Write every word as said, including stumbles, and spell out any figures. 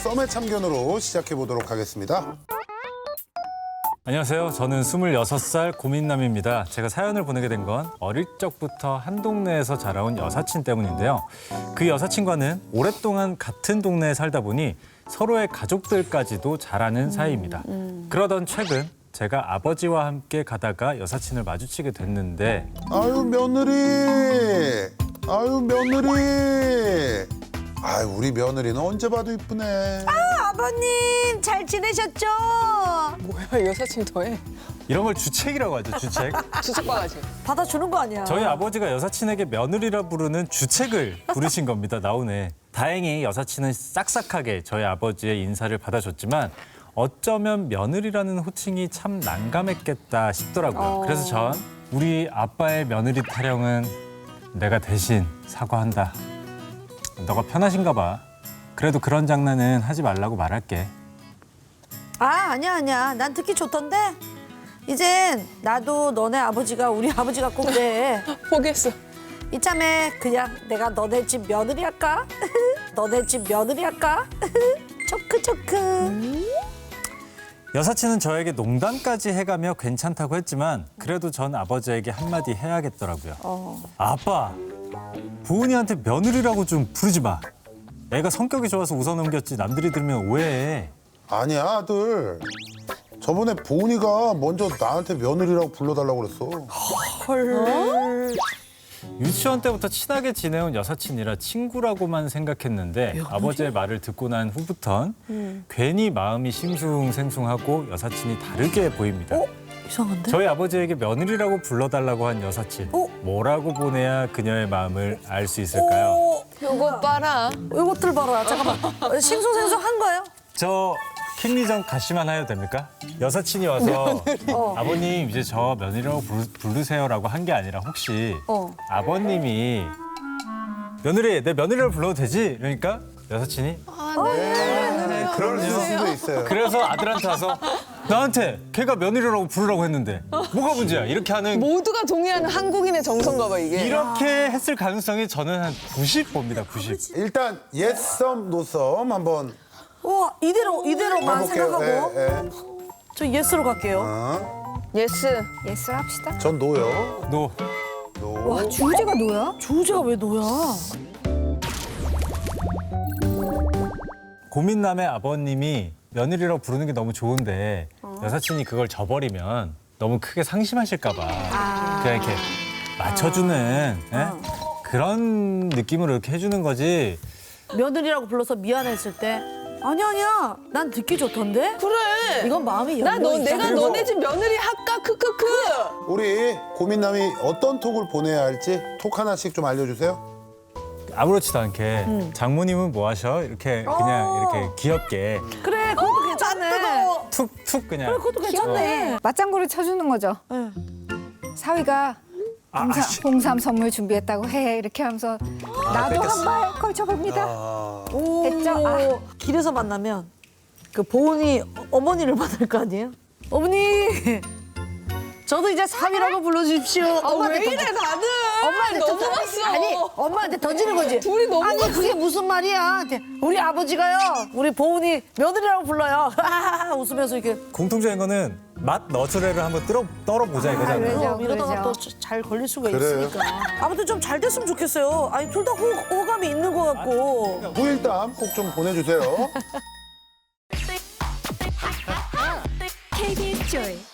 썸의 참견으로 시작해 보도록 하겠습니다. 안녕하세요. 저는 스물여섯 살 고민남입니다. 제가 사연을 보내게 된 건 어릴 적부터 한 동네에서 자라온 여사친 때문인데요. 그 여사친과는 오랫동안 같은 동네에 살다 보니 서로의 가족들까지도 잘 아는 사이입니다. 그러던 최근 제가 아버지와 함께 가다가 여사친을 마주치게 됐는데 아유 며느리, 아유 며느리. 아유 우리 며느리는 언제 봐도 이쁘네. 아, 아버님 잘 지내셨죠? 뭐야 여사친 더해? 이런 걸 주책이라고 하죠, 주책. 주책바가지. 받아주는 거 아니야? 저희 아버지가 여사친에게 며느리라 부르는 주책을 부르신 겁니다. 나오네. 다행히 여사친은 싹싹하게 저희 아버지의 인사를 받아줬지만 어쩌면 며느리라는 호칭이 참 난감했겠다 싶더라고요. 어. 그래서 전 우리 아빠의 며느리 타령은 내가 대신 사과한다. 너가 편하신가 봐. 그래도 그런 장난은 하지 말라고 말할게. 아 아니야 아니야 난 듣기 좋던데 이젠 나도 너네 아버지가 우리 아버지 같고 그래. 포기했어. 이참에 그냥 내가 너네 집 며느리 할까? 너네 집 며느리 할까? 초크 초크. 여사친은 저에게 농담까지 해가며 괜찮다고 했지만 그래도 전 아버지에게 한마디 해야겠더라고요. 어. 아빠, 보은이한테 며느리라고 좀 부르지 마. 애가 성격이 좋아서 웃어넘겼지 남들이 들으면 오해해. 아니야 아들. 저번에 보은이가 먼저 나한테 며느리라고 불러달라고 그랬어. 헐. 유치원 때부터 친하게 지내온 여사친이라 친구라고만 생각했는데 아버지의 말을 듣고 난 후부턴 음. 괜히 마음이 싱숭생숭하고 여사친이 다르게 보입니다. 어? 이상한데? 저희 아버지에게 며느리라고 불러달라고 한 여사친. 어? 뭐라고 보내야 그녀의 마음을 알 수 있을까요? 오, 요거 봐라. 이것들 봐라. 잠깐만. 어, 싱숭생숭한 거예요? 저 킹리전 가시만 해도 됩니까? 여사친이 와서 어. 아버님 이제 저 며느리라고 부르, 부르세요라고 한 게 아니라 혹시 어. 아버님이 며느리 내 며느리라고 불러도 되지? 그러니까 여사친이 네, 그럴 수도 있어요. 그래서 아들한테 와서 나한테 걔가 며느리라고 부르라고 했는데 뭐가 문제야? 이렇게 하는 모두가 동의하는 한국인의 정서인가 봐 이게. 이렇게 했을 가능성이 저는 한 구십 봅니다. 구십. 일단 예썸 노썸 한번 우와 이대로 이대로만 해볼게요. 생각하고 예, 예. 저 예스로 갈게요. 어, 예스. 예스 합시다. 전 노요. 노. 노. 와 주제가 뭐야? 주제가 왜 너야? 고민남의 아버님이 며느리라고 부르는 게 너무 좋은데 여사친이 그걸 저버리면 너무 크게 상심하실까 봐 그냥 이렇게 맞춰주는 예? 그런 느낌으로 이렇게 해주는 거지. 며느리라고 불러서 미안했을 때 아니야 아니야 난 듣기 좋던데? 그래. 이건 마음이 나 너 열려 내가 있잖아. 너네 집 며느리 할까 크크크. 우리 고민남이 어떤 톡을 보내야 할지 톡 하나씩 좀 알려주세요. 아무렇지도 않게 장모님은 뭐 하셔? 이렇게 그냥 어. 이렇게 귀엽게 그래 그것도 괜찮네. 툭툭 그냥. 그래 그것도 괜찮네. 맞장구를 쳐주는 거죠. 네. 사위가 아, 봉삼, 씨. 봉삼 선물 준비했다고 해 이렇게 하면서 나도 뺏겼어. 한 발 걸쳐봅니다. 아, 오, 됐죠? 아. 길에서 만나면 그 보은이 어머니를 만날 거 아니에요? 어머니 저도 이제 사위라고 불러주십시오. 아, 왜 엄마한테 이래 던져- 다들. 엄마한테 너무 던져- 봤어. 아니 엄마한테 던지는 거지. 둘이 너무 아니 봤어. 그게 무슨 말이야? 우리 아버지가요 우리 보은이 며느리라고 불러요. 웃으면서 이렇게 공통적인 거는 맛 너트레를 한번 떨어, 떨어보자 이거잖아요. 그러죠, 그럼 이러다가 그러죠. 또 잘 걸릴 수가 그래요. 있으니까. 아무튼 좀 잘 됐으면 좋겠어요. 아니 둘 다 호감이 있는 것 같고. 후일담 꼭 좀 보내주세요. 케이비에스 조이